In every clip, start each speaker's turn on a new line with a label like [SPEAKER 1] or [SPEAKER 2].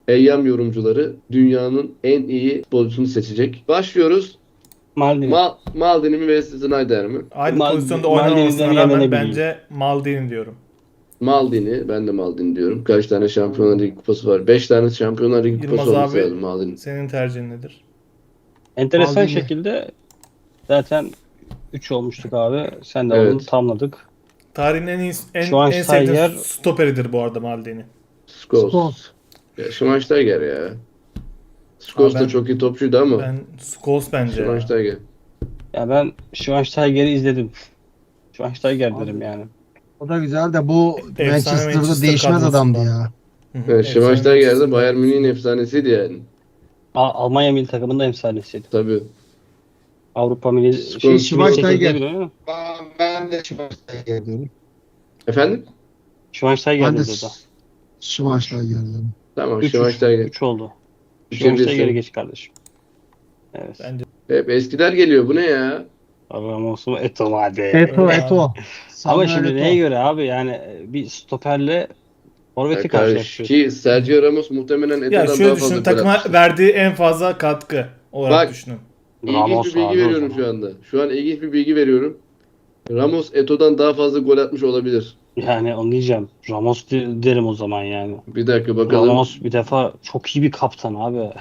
[SPEAKER 1] Eyyam yorumcuları dünyanın en iyi futbolcusunu seçecek. Başlıyoruz.
[SPEAKER 2] Maldini.
[SPEAKER 1] Maldini mi Wesley Sneijder mi?
[SPEAKER 3] Aynı pozisyonda
[SPEAKER 2] Maldini'den
[SPEAKER 3] oynamamasına
[SPEAKER 2] yana
[SPEAKER 3] rağmen
[SPEAKER 2] ne bileyim.
[SPEAKER 3] bence Maldini diyorum.
[SPEAKER 1] Maldini. Ben de Maldini diyorum. Kaç tane Şampiyonlar Ligi kupası var? 5 tane Şampiyonlar Ligi kupası
[SPEAKER 3] Yılmaz
[SPEAKER 1] olması
[SPEAKER 3] abi
[SPEAKER 1] lazım Maldini.
[SPEAKER 3] senin tercihin nedir?
[SPEAKER 2] Enteresan
[SPEAKER 4] Maldini.
[SPEAKER 2] şekilde zaten 3 olmuştuk abi. Sen de
[SPEAKER 1] Evet.
[SPEAKER 2] onu tamladık.
[SPEAKER 3] Tarihin en iyi,
[SPEAKER 2] Şu an
[SPEAKER 3] en sevdiğim
[SPEAKER 2] Steiger-
[SPEAKER 3] stoperidir bu arada Maldini.
[SPEAKER 1] Scholes.
[SPEAKER 4] Scholes.
[SPEAKER 1] Ya Schweinsteiger ya. Scholes
[SPEAKER 3] ben-
[SPEAKER 1] da çok iyi topçuydu ama.
[SPEAKER 3] Ben Scholes bence ya.
[SPEAKER 1] Schweinsteiger.
[SPEAKER 2] Ya ben Schweinsteiger'i izledim. Schweinsteiger
[SPEAKER 4] Abi.
[SPEAKER 2] derim yani.
[SPEAKER 4] O da güzel de bu
[SPEAKER 3] Efsane
[SPEAKER 4] Manchester'da
[SPEAKER 3] Manchester
[SPEAKER 4] değişmez adamdı
[SPEAKER 3] kadrosundan.
[SPEAKER 4] ya.
[SPEAKER 3] Hı hı,
[SPEAKER 1] Evet,
[SPEAKER 3] efsane
[SPEAKER 1] Schweinsteiger de
[SPEAKER 3] Manchester.
[SPEAKER 1] Bayern Münih'in efsanesiydi yani.
[SPEAKER 2] Almanya milli takımında efsanesiydi.
[SPEAKER 1] Tabii.
[SPEAKER 2] Avrupa milli
[SPEAKER 1] Scholes,
[SPEAKER 4] Schweinsteiger.
[SPEAKER 2] 2008'de bile mi?
[SPEAKER 4] Ben de Schweinsteiger diyorum.
[SPEAKER 1] Efendim?
[SPEAKER 2] Schweinsteiger
[SPEAKER 4] Ben de
[SPEAKER 2] dedi o da.
[SPEAKER 4] Schweinsteiger diyorum.
[SPEAKER 1] Tamam
[SPEAKER 2] 3
[SPEAKER 1] Schweinsteiger.
[SPEAKER 2] 3 oldu.
[SPEAKER 1] Üçe
[SPEAKER 2] Schweinsteiger'e
[SPEAKER 1] birsin.
[SPEAKER 2] geç kardeşim. Evet.
[SPEAKER 3] Bence
[SPEAKER 1] Hep eskiler geliyor. Bu ne ya?
[SPEAKER 2] Ramos'u Eto'o hadi.
[SPEAKER 4] Eto,
[SPEAKER 3] Öyle
[SPEAKER 4] Eto.
[SPEAKER 2] Ama
[SPEAKER 4] Samuel
[SPEAKER 2] şimdi
[SPEAKER 4] Eto'o.
[SPEAKER 2] neye göre abi yani bir stoperle forveti karşılaştırıyorsun.
[SPEAKER 1] Ki Sergio Ramos muhtemelen
[SPEAKER 3] ya
[SPEAKER 1] Eto'dan
[SPEAKER 3] şöyle
[SPEAKER 1] daha fazla
[SPEAKER 3] düşünün,
[SPEAKER 1] gol
[SPEAKER 3] takıma
[SPEAKER 1] atmıştır.
[SPEAKER 3] verdiği en fazla katkı olarak
[SPEAKER 1] Bak.
[SPEAKER 3] düşünün.
[SPEAKER 1] İlginç
[SPEAKER 2] Ramos
[SPEAKER 1] bir bilgi
[SPEAKER 2] abi o
[SPEAKER 1] veriyorum
[SPEAKER 2] zaman.
[SPEAKER 1] şu anda. Şu an ilginç bir bilgi veriyorum. Ramos Eto'dan daha fazla gol atmış olabilir.
[SPEAKER 2] Yani onu diyeceğim. Ramos derim o zaman yani.
[SPEAKER 1] Bir dakika bakalım.
[SPEAKER 2] Ramos bir defa çok iyi bir kaptan abi.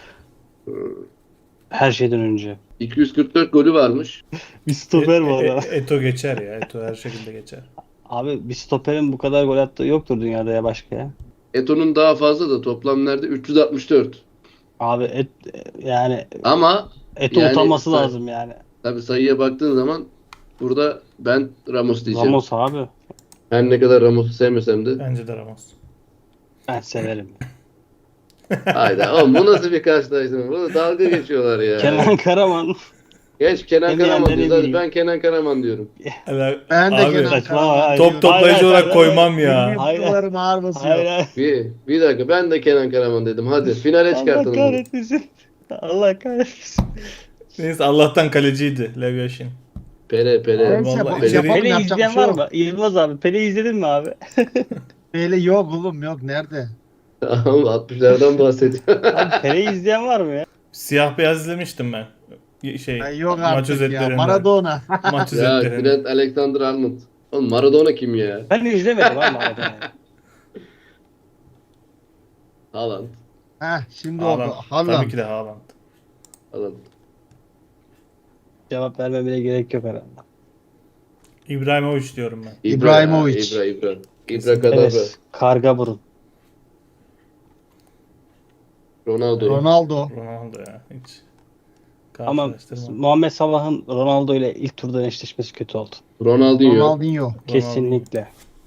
[SPEAKER 2] Her şeyden önce.
[SPEAKER 1] 244 golü varmış.
[SPEAKER 2] Bir stoper bu arada.
[SPEAKER 3] Eto geçer ya. Eto her şekilde geçer.
[SPEAKER 2] Abi bir stoperin bu kadar gol attığı yoktur dünyada ya başka ya.
[SPEAKER 1] Eto'nun daha fazla da toplam nerede? 364.
[SPEAKER 2] Abi yani
[SPEAKER 1] Ama
[SPEAKER 2] Eto
[SPEAKER 1] yani
[SPEAKER 2] utanması
[SPEAKER 1] say-
[SPEAKER 2] lazım yani.
[SPEAKER 1] tabii sayıya baktığın zaman burada ben Ramos diyeceğim.
[SPEAKER 2] Ramos abi.
[SPEAKER 1] Her ne kadar Ramos'u sevmesem de.
[SPEAKER 3] Bence de Ramos.
[SPEAKER 2] Ben severim.
[SPEAKER 1] Hayda oğlum bu nasıl bir karşılaştırma? Bu dalga geçiyorlar ya.
[SPEAKER 2] Kenan Karaman.
[SPEAKER 1] Geç Kenan
[SPEAKER 2] En
[SPEAKER 1] Karaman
[SPEAKER 2] beğendiğini
[SPEAKER 1] diyoruz. Hadi
[SPEAKER 2] bileyim.
[SPEAKER 1] ben Kenan Karaman diyorum.
[SPEAKER 4] Ben de
[SPEAKER 3] Abi,
[SPEAKER 4] Kenan
[SPEAKER 2] Saçma
[SPEAKER 4] Karaman.
[SPEAKER 2] abi.
[SPEAKER 3] top toplayıcı
[SPEAKER 2] Hayır,
[SPEAKER 3] olarak
[SPEAKER 2] hayır,
[SPEAKER 3] koymam ya.
[SPEAKER 4] Benim
[SPEAKER 2] Hayır.
[SPEAKER 4] duvarım ağır basıyor.
[SPEAKER 2] Hayır hayır.
[SPEAKER 1] Bir dakika ben de Kenan Karaman dedim. Hadi finale
[SPEAKER 2] Allah
[SPEAKER 1] çıkartalım. bunu.
[SPEAKER 2] kahretmesin. Allah kahretmesin.
[SPEAKER 3] Neyse Allah'tan kaleciydi Lev Yashin.
[SPEAKER 1] Pele.
[SPEAKER 4] Neyse,
[SPEAKER 3] Vallahi
[SPEAKER 4] bu-
[SPEAKER 3] içeri-
[SPEAKER 4] yapalım,
[SPEAKER 2] Pele
[SPEAKER 4] yapacak
[SPEAKER 2] izleyen
[SPEAKER 4] bir şey
[SPEAKER 2] var
[SPEAKER 4] yok.
[SPEAKER 2] mı? Yılmaz abi. Pele izledin mi abi?
[SPEAKER 4] Böyle yok oğlum yok nerede?
[SPEAKER 1] Tamam 60'lardan bahsediyor.
[SPEAKER 2] Abi Pele'yi izleyen var mı ya?
[SPEAKER 3] Siyah beyaz izlemiştim ben.
[SPEAKER 4] Ay, yok
[SPEAKER 3] maç
[SPEAKER 4] artık ya.
[SPEAKER 3] özetlerinde.
[SPEAKER 4] Maradona.
[SPEAKER 3] Maç
[SPEAKER 1] Ya
[SPEAKER 3] özetlerinde.
[SPEAKER 1] Grant Alexander-Arnold. Oğlum Maradona kim ya?
[SPEAKER 2] Ben izlemedim ama Maradona'yı.
[SPEAKER 1] Haaland.
[SPEAKER 4] Heh şimdi oldu.
[SPEAKER 3] Haaland.
[SPEAKER 4] Haaland.
[SPEAKER 3] Tabii ki de Haaland.
[SPEAKER 1] Haaland.
[SPEAKER 2] Cevap vermemene gerek yok herhalde.
[SPEAKER 3] İbrahimovic diyorum ben.
[SPEAKER 4] İbrahimovic.
[SPEAKER 1] İbra Kadabra.
[SPEAKER 2] Evet. Karga burun.
[SPEAKER 1] Ronaldo.
[SPEAKER 4] Ronaldo.
[SPEAKER 3] Ronaldo ya hiç.
[SPEAKER 2] Ama
[SPEAKER 3] Karşılaştırma.
[SPEAKER 2] Muhammed Salah'ın Ronaldo ile ilk turdan eşleşmesi kötü oldu.
[SPEAKER 1] Ronaldinho.
[SPEAKER 4] Ronaldinho.
[SPEAKER 2] Kesinlikle.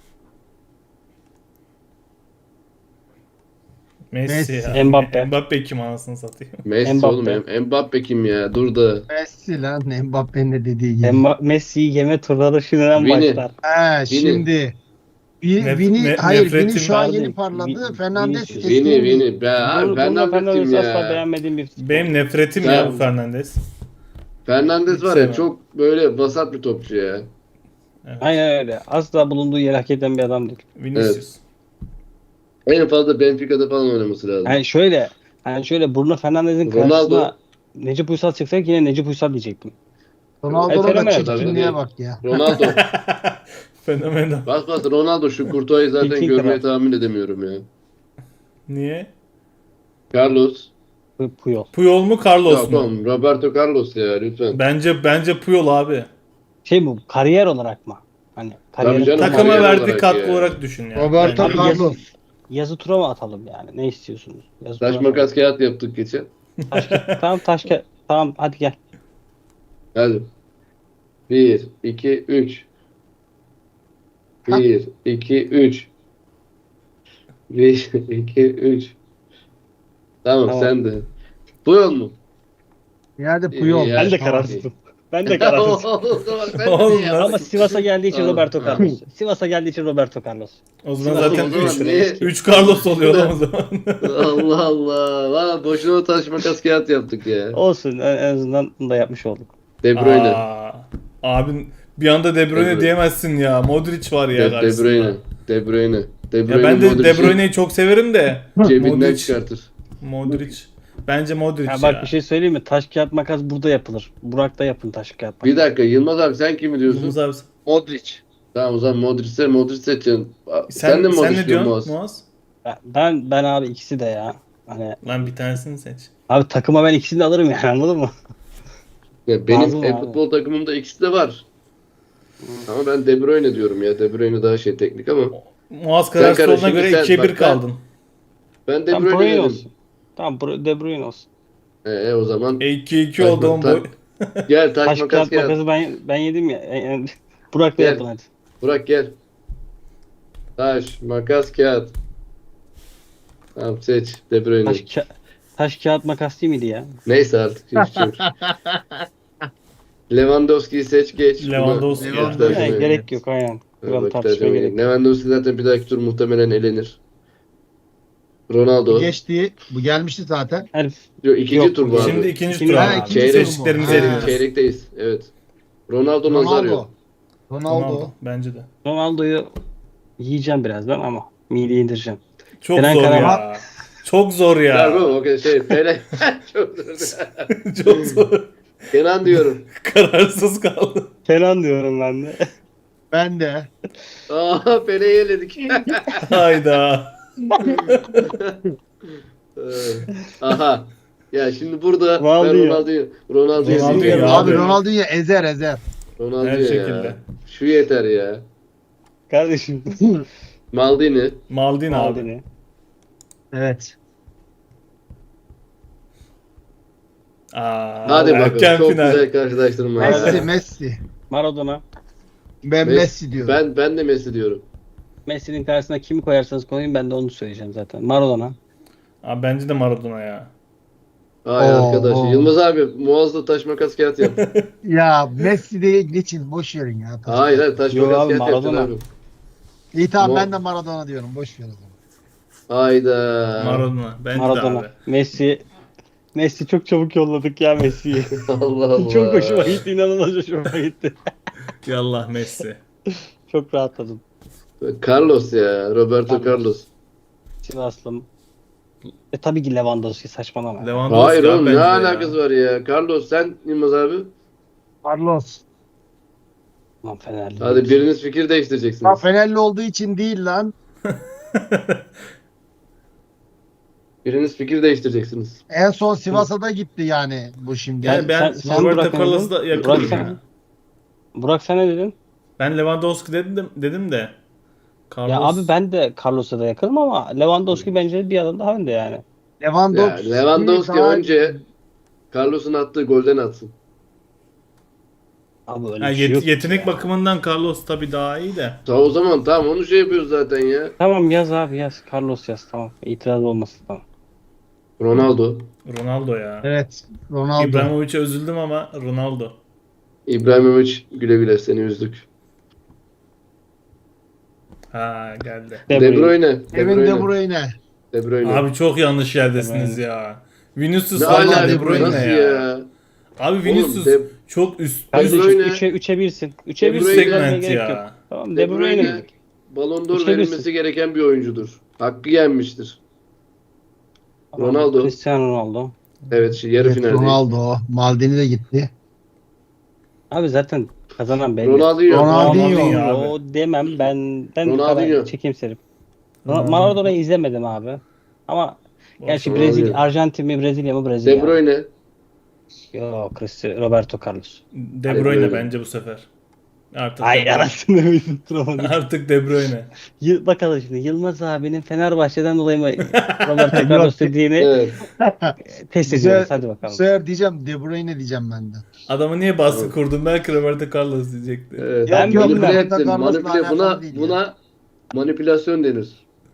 [SPEAKER 3] Messi
[SPEAKER 4] Messi.
[SPEAKER 3] ya.
[SPEAKER 2] Mbappe.
[SPEAKER 3] Mbappe kim anasını satayım.
[SPEAKER 1] Messi
[SPEAKER 2] Mbappe.
[SPEAKER 1] oğlum. Mbappe kim ya? Dur da.
[SPEAKER 4] Messi lan Mbappe'nin de dediği gibi.
[SPEAKER 2] Messi'yi yeme turları şimdiden
[SPEAKER 1] Vini.
[SPEAKER 2] başlar.
[SPEAKER 4] He şimdi. Hayır Vini
[SPEAKER 3] nefretim
[SPEAKER 4] şu an
[SPEAKER 2] vardı.
[SPEAKER 4] yeni parladı. Fernandes
[SPEAKER 2] Vinicius.
[SPEAKER 4] kesin değil.
[SPEAKER 1] Vini. Be, abi, Fernandes kim
[SPEAKER 2] asla
[SPEAKER 1] ya?
[SPEAKER 2] beğenmediğim bir futbol.
[SPEAKER 3] Benim nefretim
[SPEAKER 1] Sen-
[SPEAKER 3] ya bu Fernandes.
[SPEAKER 1] Fernandes var ya
[SPEAKER 3] Sevmem.
[SPEAKER 1] çok böyle vasat bir topçu ya.
[SPEAKER 3] Evet.
[SPEAKER 2] Aynen öyle. Asla bulunduğu yeri hak eden bir adam değil.
[SPEAKER 3] Vinicius.
[SPEAKER 1] En fazla Benfica'da falan oynaması lazım.
[SPEAKER 2] Hani şöyle Bruno Fernandes'in
[SPEAKER 1] Ronaldo.
[SPEAKER 2] karşısına Necip Uysal çıksak yine Necip Uysal diyecektim.
[SPEAKER 4] Ronaldo'nun da
[SPEAKER 2] Fenomen
[SPEAKER 4] çirkinliğe
[SPEAKER 1] tabii.
[SPEAKER 4] bak ya.
[SPEAKER 1] Ronaldo.
[SPEAKER 3] Fenomenal.
[SPEAKER 1] Bas Ronaldo şu Kurtuay'ı zaten
[SPEAKER 2] İki
[SPEAKER 1] görmeyi
[SPEAKER 2] kral.
[SPEAKER 1] tahmin edemiyorum ya.
[SPEAKER 3] Niye?
[SPEAKER 1] Carlos.
[SPEAKER 2] Puyol.
[SPEAKER 3] Puyol mu Carlos
[SPEAKER 1] Yok
[SPEAKER 3] mu?
[SPEAKER 1] oğlum Roberto Carlos ya lütfen.
[SPEAKER 3] Bence Puyol abi.
[SPEAKER 2] Şey bu kariyer olarak mı? Hani kariyer
[SPEAKER 1] canım.
[SPEAKER 3] Takıma
[SPEAKER 1] kariyer
[SPEAKER 3] verdiği
[SPEAKER 1] olarak
[SPEAKER 3] katkı
[SPEAKER 1] ya.
[SPEAKER 3] olarak düşün yani.
[SPEAKER 4] Roberto
[SPEAKER 3] Bence.
[SPEAKER 2] Abi
[SPEAKER 4] Carlos.
[SPEAKER 2] yazı tura mı atalım yani? Ne istiyorsunuz? Yazı
[SPEAKER 1] Taş
[SPEAKER 2] tura mı?
[SPEAKER 1] makas kağıt yaptık geçen.
[SPEAKER 2] Tamam tamam hadi gel.
[SPEAKER 1] Hadi. 1, 2, 3. 1, 2, 3. 1, 2, 3. Tamam
[SPEAKER 2] Tamam.
[SPEAKER 1] sen de. Puyol mu?
[SPEAKER 4] Nerede Puyol?
[SPEAKER 1] Ya,
[SPEAKER 2] Ben de
[SPEAKER 1] tamam.
[SPEAKER 2] kararsızım. Ben de kararsızım.
[SPEAKER 3] Oğlum
[SPEAKER 1] ya.
[SPEAKER 2] Ama Sivas'a geldiği için
[SPEAKER 1] Tamam.
[SPEAKER 2] Roberto Carlos. Sivas'a geldiği için Roberto Carlos.
[SPEAKER 3] O zaman
[SPEAKER 2] Sivas'a
[SPEAKER 3] zaten
[SPEAKER 1] o zaman
[SPEAKER 3] 3
[SPEAKER 1] niye-
[SPEAKER 3] 3 Carlos oluyor lan o zaman.
[SPEAKER 1] Allah Allah. Valla boşuna taş makas kağıt yaptık ya.
[SPEAKER 2] Olsun en azından bunu da yapmış olduk.
[SPEAKER 1] De Bruyne.
[SPEAKER 3] Abin bir anda De Bruyne
[SPEAKER 1] De Bruyne.
[SPEAKER 3] diyemezsin ya. Modric var ya
[SPEAKER 1] De
[SPEAKER 3] karşısında.
[SPEAKER 1] Bruyne. De Bruyne. De
[SPEAKER 3] Ya
[SPEAKER 1] Bruyne,
[SPEAKER 3] ben de De
[SPEAKER 1] Modric'i
[SPEAKER 3] Bruyne'yi çok severim de.
[SPEAKER 1] cebinden
[SPEAKER 3] Modric.
[SPEAKER 1] çıkartır.
[SPEAKER 3] Modric. Bence Modric
[SPEAKER 2] Ya
[SPEAKER 3] ya.
[SPEAKER 2] bak bir şey söyleyeyim mi? Taş kağıt makas burada yapılır. Burak'ta yapın taş kağıt makas.
[SPEAKER 1] Bir dakika Yılmaz abi sen kimi diyorsun?
[SPEAKER 3] Yılmaz abi.
[SPEAKER 4] Modric.
[SPEAKER 1] Tamam o zaman Modric seçeceksin. Sen de mi
[SPEAKER 3] Sen
[SPEAKER 1] Modric
[SPEAKER 3] ne
[SPEAKER 1] diyorsun
[SPEAKER 3] diyorsun
[SPEAKER 1] Muaz?
[SPEAKER 3] Muaz?
[SPEAKER 2] Ben abi ikisi de ya. Hani
[SPEAKER 3] Lan bir tanesini seç.
[SPEAKER 2] abi takıma ben ikisini de alırım yani anladın mı?
[SPEAKER 1] Ya benim
[SPEAKER 2] Lazım abi.
[SPEAKER 1] futbol takımımda ikisi de var. Ama ben De Bruyne diyorum ya. De Bruyne daha teknik ama.
[SPEAKER 3] Muaz kararsız
[SPEAKER 1] karar-
[SPEAKER 3] olduğuna
[SPEAKER 1] şimdi
[SPEAKER 3] göre
[SPEAKER 1] sen-
[SPEAKER 3] 2'ye
[SPEAKER 1] bak
[SPEAKER 3] 1
[SPEAKER 1] ben-
[SPEAKER 3] kaldın.
[SPEAKER 1] Ben De
[SPEAKER 2] Tamam
[SPEAKER 1] Bruyne
[SPEAKER 2] Bruyne
[SPEAKER 1] dedim.
[SPEAKER 2] olsun. Tamam De Bruyne olsun.
[SPEAKER 1] O zaman
[SPEAKER 3] 2-2
[SPEAKER 1] Taş-
[SPEAKER 3] oldu oğlum
[SPEAKER 1] ta-
[SPEAKER 3] boy.
[SPEAKER 1] gel taş
[SPEAKER 2] Taş
[SPEAKER 1] makas
[SPEAKER 2] kağıt
[SPEAKER 1] kağıt.
[SPEAKER 2] makası ben yedim ya. Burak'la
[SPEAKER 1] Gel.
[SPEAKER 2] yapın hadi.
[SPEAKER 1] Burak gel. Taş makas kağıt. Tamam seç De Bruyne.
[SPEAKER 2] Taş kağıt makas değil miydi ya?
[SPEAKER 1] Neyse artık. Hiç şey yok. Lewandowski'yi seç geç. Buna
[SPEAKER 3] Lewandowski ya.
[SPEAKER 1] vakit harcamayın.
[SPEAKER 2] Yani gerek yok aynen. Kral
[SPEAKER 1] Vakit
[SPEAKER 2] tartışmaya
[SPEAKER 1] harcamayın.
[SPEAKER 2] gerek yok.
[SPEAKER 1] Lewandowski zaten bir dahaki tur muhtemelen elenir. Ronaldo.
[SPEAKER 4] Geçti. Bu gelmişti zaten.
[SPEAKER 2] Herif
[SPEAKER 1] Yok, ikinci
[SPEAKER 2] Yok,
[SPEAKER 1] tur bu abi.
[SPEAKER 3] Şimdi ikinci
[SPEAKER 2] Şimdi-
[SPEAKER 3] tur
[SPEAKER 2] Ha,
[SPEAKER 3] abi.
[SPEAKER 4] ikinci
[SPEAKER 1] Çeyrek-
[SPEAKER 4] tur mu?
[SPEAKER 3] Seçtiklerimizi
[SPEAKER 4] Ha.
[SPEAKER 3] eliyoruz.
[SPEAKER 1] Çeyrekteyiz. Evet. Ronaldo Nazario.
[SPEAKER 4] Ronaldo.
[SPEAKER 3] Ronaldo. Bence de.
[SPEAKER 2] Ronaldo'yu yiyeceğim birazdan ama mideye indireceğim.
[SPEAKER 3] Çok
[SPEAKER 2] Kenan
[SPEAKER 3] zor ya.
[SPEAKER 2] Karaman.
[SPEAKER 3] Çok zor
[SPEAKER 1] Ya
[SPEAKER 3] ya.
[SPEAKER 1] bu o kadar Pele. Çok zor.
[SPEAKER 3] Çok zor.
[SPEAKER 1] Kenan diyorum.
[SPEAKER 3] Kararsız kaldım.
[SPEAKER 2] Kenan diyorum ben de.
[SPEAKER 4] Ben de.
[SPEAKER 1] Pele'yi eledik.
[SPEAKER 3] Hayda.
[SPEAKER 1] Aha. Ya şimdi burada
[SPEAKER 2] Ronaldo.
[SPEAKER 1] ben Ronaldo'yu
[SPEAKER 3] Ronaldo
[SPEAKER 1] seçiyorum.
[SPEAKER 3] ya.
[SPEAKER 4] Abi
[SPEAKER 3] Abi.
[SPEAKER 4] Ronaldo'yu ezer.
[SPEAKER 1] Ronaldo
[SPEAKER 3] Her
[SPEAKER 1] ya.
[SPEAKER 3] şekilde.
[SPEAKER 1] Şu yeter ya.
[SPEAKER 2] Kardeşim.
[SPEAKER 1] Maldini.
[SPEAKER 3] Maldini abi.
[SPEAKER 2] Maldini.
[SPEAKER 4] Evet.
[SPEAKER 1] Hadi bakalım.
[SPEAKER 3] Erken
[SPEAKER 1] Çok
[SPEAKER 3] final.
[SPEAKER 1] güzel karşılaştırma.
[SPEAKER 4] Messi.
[SPEAKER 2] Maradona.
[SPEAKER 4] Ben Messi diyorum.
[SPEAKER 1] Ben de Messi diyorum.
[SPEAKER 2] Messi'nin karşısına kimi koyarsanız koyun ben de onu söyleyeceğim zaten. Maradona.
[SPEAKER 3] Abi bence de Maradona ya.
[SPEAKER 1] Ay
[SPEAKER 4] Oo,
[SPEAKER 1] arkadaş.
[SPEAKER 4] oo.
[SPEAKER 1] Yılmaz abi Muaz'la taş makas kağıt yap.
[SPEAKER 4] Ya Messi de geçin. Boş verin ya.
[SPEAKER 1] Hayır taş
[SPEAKER 2] Yok
[SPEAKER 1] makas
[SPEAKER 2] abi,
[SPEAKER 1] kağıt yapacaksın
[SPEAKER 2] Maradona.
[SPEAKER 1] abi.
[SPEAKER 4] İyi tamam
[SPEAKER 1] Mo-
[SPEAKER 4] ben de Maradona diyorum. Boş ver o zaman.
[SPEAKER 1] Hayda.
[SPEAKER 3] Maradona. Bence de
[SPEAKER 2] Maradona.
[SPEAKER 3] abi.
[SPEAKER 2] Messi çok çabuk yolladık ya Messi'yi.
[SPEAKER 1] Allah Allah.
[SPEAKER 2] Çok hoşuma gitti. İnanılmaz hoşuma gitti.
[SPEAKER 3] Yallah Messi.
[SPEAKER 2] Çok rahatladım.
[SPEAKER 1] Carlos ya. Roberto Carlos.
[SPEAKER 2] Sivaslım. Tabii ki Lewandowski saçmalama.
[SPEAKER 3] Lewandowski
[SPEAKER 1] Hayır
[SPEAKER 3] abi
[SPEAKER 1] oğlum ne
[SPEAKER 3] bence de ya.
[SPEAKER 1] alakası var ya. Carlos sen Yılmaz abi.
[SPEAKER 4] Carlos.
[SPEAKER 2] Aman Fenerli.
[SPEAKER 1] Hadi biriniz fikir
[SPEAKER 4] Ha,
[SPEAKER 1] değiştireceksiniz.
[SPEAKER 4] Fenerli olduğu için değil lan.
[SPEAKER 1] Biriniz fikir değiştireceksiniz.
[SPEAKER 4] En son Sivas'a da gitti yani bu şimdi.
[SPEAKER 3] Yani ben
[SPEAKER 2] sen
[SPEAKER 3] Roberto
[SPEAKER 2] Burak
[SPEAKER 3] Carlos'u da
[SPEAKER 2] Burak
[SPEAKER 3] yakınım
[SPEAKER 2] sen,
[SPEAKER 3] ya.
[SPEAKER 2] Burak sen ne dedin?
[SPEAKER 3] Ben Lewandowski dedim de. Carlos.
[SPEAKER 2] Ya abi ben de Carlos'a da yakınım ama Lewandowski bence bir adım daha önde yani.
[SPEAKER 1] Ya
[SPEAKER 4] Lewandowski,
[SPEAKER 1] Lewandowski
[SPEAKER 4] daha-
[SPEAKER 1] önce Carlos'un attığı golden atsın.
[SPEAKER 2] Abi öyle
[SPEAKER 3] Ha,
[SPEAKER 2] bir şey yok
[SPEAKER 3] yetenek
[SPEAKER 2] ya.
[SPEAKER 3] bakımından Carlos tabii daha iyi de.
[SPEAKER 1] O zaman tamam onu şey yapıyoruz zaten ya.
[SPEAKER 2] Tamam yaz abi yaz. Carlos yaz tamam. İtiraz olmasın tamam.
[SPEAKER 1] Ronaldo.
[SPEAKER 3] Ronaldo ya.
[SPEAKER 4] Evet. Ronaldo.
[SPEAKER 3] İbrahimovic'e üzüldüm ama Ronaldo.
[SPEAKER 1] İbrahimovic güle güle seni üzdük.
[SPEAKER 3] Ha geldi.
[SPEAKER 1] De Bruyne. De
[SPEAKER 4] Kevin
[SPEAKER 1] Bruyne.
[SPEAKER 4] De Bruyne.
[SPEAKER 1] De Bruyne.
[SPEAKER 3] Abi çok yanlış yerdesiniz ya. Vinicius
[SPEAKER 1] ne
[SPEAKER 3] falan
[SPEAKER 1] alaka
[SPEAKER 3] De Bruyne
[SPEAKER 1] nasıl
[SPEAKER 3] ya.
[SPEAKER 1] ya?
[SPEAKER 3] Abi Vinicius
[SPEAKER 1] De-
[SPEAKER 3] çok üst
[SPEAKER 2] Kardeşim
[SPEAKER 1] Bruyne-
[SPEAKER 2] 3'e 1'sin. 3'e
[SPEAKER 1] De
[SPEAKER 2] 1
[SPEAKER 1] Bruyne-
[SPEAKER 3] segment
[SPEAKER 2] gerek yok.
[SPEAKER 3] ya.
[SPEAKER 2] Tamam
[SPEAKER 1] De
[SPEAKER 2] De Bruyne
[SPEAKER 1] Bruyne
[SPEAKER 2] dedik.
[SPEAKER 1] Ballon d'Or
[SPEAKER 2] Üçte birsin.
[SPEAKER 1] verilmesi gereken bir oyuncudur. Hakkı yenmiştir.
[SPEAKER 2] Tamam,
[SPEAKER 1] Ronaldo.
[SPEAKER 2] Cristiano Ronaldo.
[SPEAKER 1] Evet yarı
[SPEAKER 4] Evet,
[SPEAKER 1] finaldeyiz.
[SPEAKER 4] Ronaldo. Maldini de gitti.
[SPEAKER 2] Abi zaten kazanan belli.
[SPEAKER 1] Ronaldinho.
[SPEAKER 4] Ronaldinho.
[SPEAKER 3] Ronaldinho
[SPEAKER 2] O demem ben
[SPEAKER 1] Ronaldinho.
[SPEAKER 2] çekimserim.
[SPEAKER 3] Ronaldinho.
[SPEAKER 2] Maradona'yı izlemedim abi. Ama gerçi
[SPEAKER 1] Ronaldinho.
[SPEAKER 2] Brezilya, Arjantin mi Brezilya mı
[SPEAKER 1] De
[SPEAKER 2] Brezilya.
[SPEAKER 1] Bruyne.
[SPEAKER 2] Yok Roberto Carlos.
[SPEAKER 3] De
[SPEAKER 1] De
[SPEAKER 3] Bruyne
[SPEAKER 1] Bruyne.
[SPEAKER 3] bence bu sefer. Artık De
[SPEAKER 2] Ay
[SPEAKER 3] Bruyne.
[SPEAKER 2] anasını bir tutturamadım.
[SPEAKER 3] Artık De Bruyne.
[SPEAKER 2] Bakalım şimdi Yılmaz abinin Fenerbahçe'den dolayı mı Roberto Carlos dediğini
[SPEAKER 1] Evet.
[SPEAKER 2] test
[SPEAKER 4] Bu
[SPEAKER 2] ediyoruz.
[SPEAKER 4] sefer-
[SPEAKER 2] Hadi
[SPEAKER 4] Bu
[SPEAKER 2] bakalım.
[SPEAKER 4] sefer diyeceğim De Bruyne diyeceğim ben de.
[SPEAKER 3] Adamı niye baskı kurdun? Belki Roberto Carlos diyecekti.
[SPEAKER 1] Evet.
[SPEAKER 2] Ben
[SPEAKER 1] Manipüle
[SPEAKER 2] bilmem.
[SPEAKER 1] ettin.
[SPEAKER 4] Carlos'la
[SPEAKER 1] Manipüle buna
[SPEAKER 4] alakalı değil ya.
[SPEAKER 1] buna manipülasyon denir.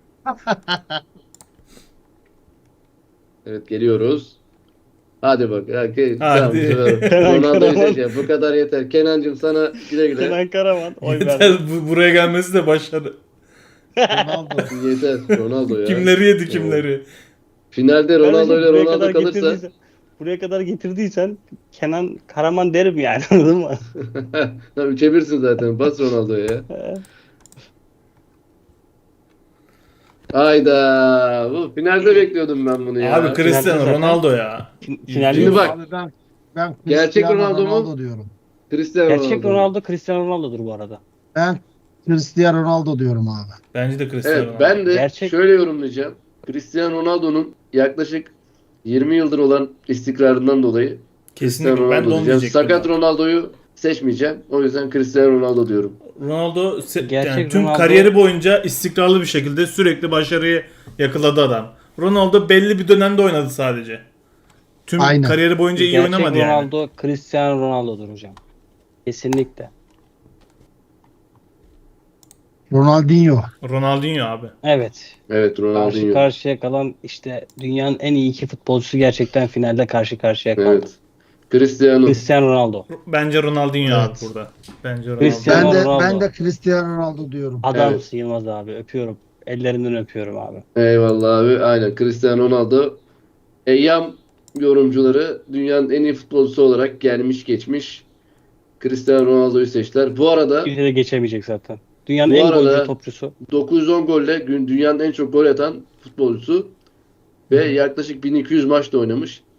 [SPEAKER 1] Evet geliyoruz. Hadi bak.
[SPEAKER 3] Hadi.
[SPEAKER 1] Tamam, bu sefer
[SPEAKER 2] Kenan
[SPEAKER 1] Ronaldo'yu
[SPEAKER 2] Karaman.
[SPEAKER 1] seçeceğim. Bu kadar yeter. Kenancığım sana güle güle.
[SPEAKER 2] Kenan Karaman oy verdi.
[SPEAKER 3] Yeter, buraya gelmesi de başarı.
[SPEAKER 4] Ronaldo.
[SPEAKER 1] Yeter. Ronaldo ya.
[SPEAKER 3] Kimleri yedi kimleri.
[SPEAKER 1] Finalde Ronaldo ile
[SPEAKER 2] Kardeşim,
[SPEAKER 1] Ronaldo kalırsa
[SPEAKER 2] buraya kadar getirdiysen Kenan Karaman derim yani anladın mı?
[SPEAKER 1] Tamam 3'e 1'sin zaten. Bas Ronaldo'ya ya. Hayda. Bu finalde bekliyordum ben bunu ya.
[SPEAKER 3] Abi Cristiano
[SPEAKER 2] zaten-
[SPEAKER 3] Ronaldo ya.
[SPEAKER 2] Finalde
[SPEAKER 1] Şimdi bak.
[SPEAKER 4] Abi ben
[SPEAKER 1] Gerçek
[SPEAKER 4] Cristiano
[SPEAKER 1] Ronaldo mu?
[SPEAKER 4] Ronaldo diyorum.
[SPEAKER 1] Cristiano
[SPEAKER 2] Gerçek
[SPEAKER 1] Ronaldo.
[SPEAKER 2] Cristiano Ronaldo'dur bu arada.
[SPEAKER 4] Ben Cristiano Ronaldo diyorum abi.
[SPEAKER 3] Bence de Cristiano
[SPEAKER 1] Evet
[SPEAKER 3] Ronaldo.
[SPEAKER 1] ben de
[SPEAKER 2] Gerçek-
[SPEAKER 1] şöyle yorumlayacağım. Cristiano Ronaldo'nun yaklaşık 20 yıldır olan istikrarından dolayı Cristiano
[SPEAKER 3] Kesinlikle ben de
[SPEAKER 1] Ronaldo
[SPEAKER 3] onu
[SPEAKER 1] diyeceğim.
[SPEAKER 3] diyecektim.
[SPEAKER 1] Sakat
[SPEAKER 3] zaten.
[SPEAKER 1] Ronaldo'yu seçmeyeceğim. O yüzden Cristiano Ronaldo diyorum.
[SPEAKER 3] Ronaldo
[SPEAKER 2] Gerçek
[SPEAKER 3] yani tüm
[SPEAKER 2] Ronaldo-
[SPEAKER 3] kariyeri boyunca istikrarlı bir şekilde sürekli başarıyı yakaladı adam. Ronaldo belli bir dönemde oynadı sadece. Tüm
[SPEAKER 4] Aynen.
[SPEAKER 3] kariyeri boyunca iyi
[SPEAKER 2] Gerçek
[SPEAKER 3] oynamadı yani.
[SPEAKER 2] Ronaldo Cristiano Ronaldo'dur hocam. Kesinlikle.
[SPEAKER 4] Ronaldinho.
[SPEAKER 3] Ronaldinho abi.
[SPEAKER 2] Evet.
[SPEAKER 1] Evet
[SPEAKER 2] Karşı
[SPEAKER 1] Ronaldinho.
[SPEAKER 2] karşıya kalan işte dünyanın en iyi iki futbolcusu gerçekten finalde karşı karşıya kaldı.
[SPEAKER 1] Evet. Cristiano.
[SPEAKER 2] Cristiano Ronaldo.
[SPEAKER 3] Bence Ronaldinho abi
[SPEAKER 4] Evet.
[SPEAKER 3] burada. Bence Ronaldo.
[SPEAKER 2] Cristiano
[SPEAKER 4] Ben
[SPEAKER 2] Ronaldo.
[SPEAKER 4] de Cristiano Ronaldo diyorum.
[SPEAKER 2] Adamsın Yılmaz abi. Öpüyorum. Ellerinden öpüyorum abi.
[SPEAKER 1] Eyvallah abi. Aynen Cristiano Ronaldo. Eyyam yorumcuları dünyanın en iyi futbolcusu olarak gelmiş geçmiş Cristiano Ronaldo'yu seçtiler. Bu arada
[SPEAKER 2] Kimse de geçemeyecek zaten. Dünyanın
[SPEAKER 1] Bu
[SPEAKER 2] en
[SPEAKER 1] arada-
[SPEAKER 2] golcü topçusu.
[SPEAKER 1] 910 golle dünyanın en çok gol atan futbolcusu ve yaklaşık 1200 maçta oynamış.